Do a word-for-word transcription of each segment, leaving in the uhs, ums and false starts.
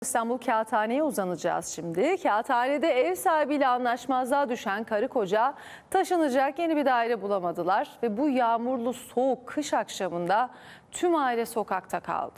İstanbul Kağıthane'ye uzanacağız şimdi. Kağıthane'de ev sahibiyle anlaşmazlığa düşen karı koca taşınacak yeni bir daire bulamadılar ve bu yağmurlu soğuk kış akşamında tüm aile sokakta kaldı.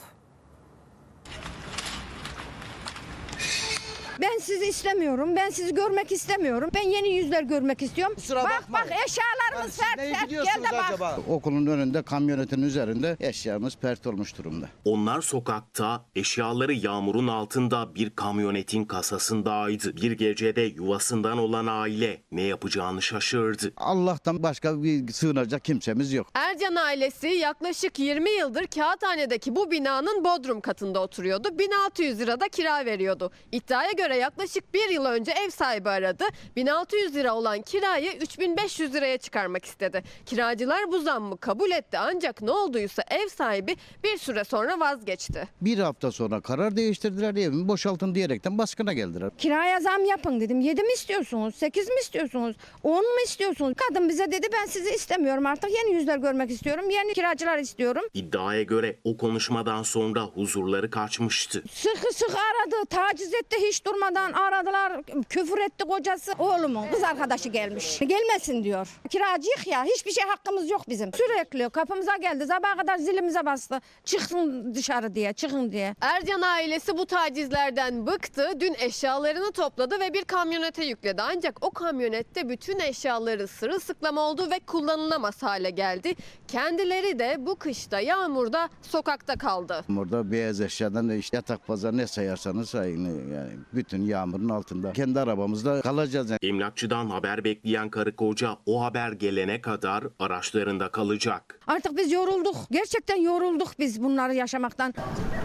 Ben sizi istemiyorum. Ben sizi görmek istemiyorum. Ben yeni yüzler görmek istiyorum. Kusura bak bakmayın. bak eşyalarımız Yani siz sert neye sert. Gel gidiyorsunuz de bak. acaba? Okulun önünde kamyonetin üzerinde eşyamız pert olmuş durumda. Onlar sokakta, eşyaları yağmurun altında bir kamyonetin kasasındaydı. Bir gecede yuvasından olan aile ne yapacağını şaşırdı. Allah'tan başka bir sığınacak kimsemiz yok. Ercan ailesi yaklaşık yirmi yıldır Kağıthane'deki bu binanın bodrum katında oturuyordu. bin altı yüz lirada kira veriyordu. İddiaya göre yaklaşık bir yıl önce ev sahibi aradı. bin altı yüz lira olan kirayı üç bin beş yüz liraya çıkarmak istedi. Kiracılar bu zammı kabul etti ancak ne olduysa ev sahibi bir süre sonra vazgeçti. Bir hafta sonra karar değiştirdiler, evimi boşaltın diyerekten baskına geldiler. Kiraya zam yapın dedim. Yedi mi istiyorsunuz? Sekiz mi istiyorsunuz? On mu istiyorsunuz? Kadın bize dedi ben sizi istemiyorum artık. Yeni yüzler görmek istiyorum. Yeni kiracılar istiyorum. İddiaya göre o konuşmadan sonra huzurları kaçmıştı. Sıkı sıkı aradı. Taciz etti hiç durmadan aradılar. Küfür etti kocası. Oğlumun kız arkadaşı gelmiş. Gelmesin diyor. Kiracıyık ya. Hiçbir şey hakkımız yok bizim. Sürekli kapımıza geldi. Sabaha kadar zilimize bastı. Çıkın dışarı diye. Çıkın diye. Ercan ailesi bu tacizlerden bıktı. Dün eşyalarını topladı ve bir kamyonete yükledi. Ancak o kamyonette bütün eşyaları sırılsıklam oldu ve kullanılamaz hale geldi. Kendileri de bu kışta yağmurda sokakta kaldı. Orada beyaz eşyadan da işte yatak pazar ne sayarsanız sayın, yani bütün yağmurun altında. Kendi arabamızda kalacağız. Yani. Emlakçıdan haber bekleyen karı koca o haber gelene kadar araçlarında kalacak. Artık biz yorulduk. Gerçekten yorulduk biz bunları yaşamaktan.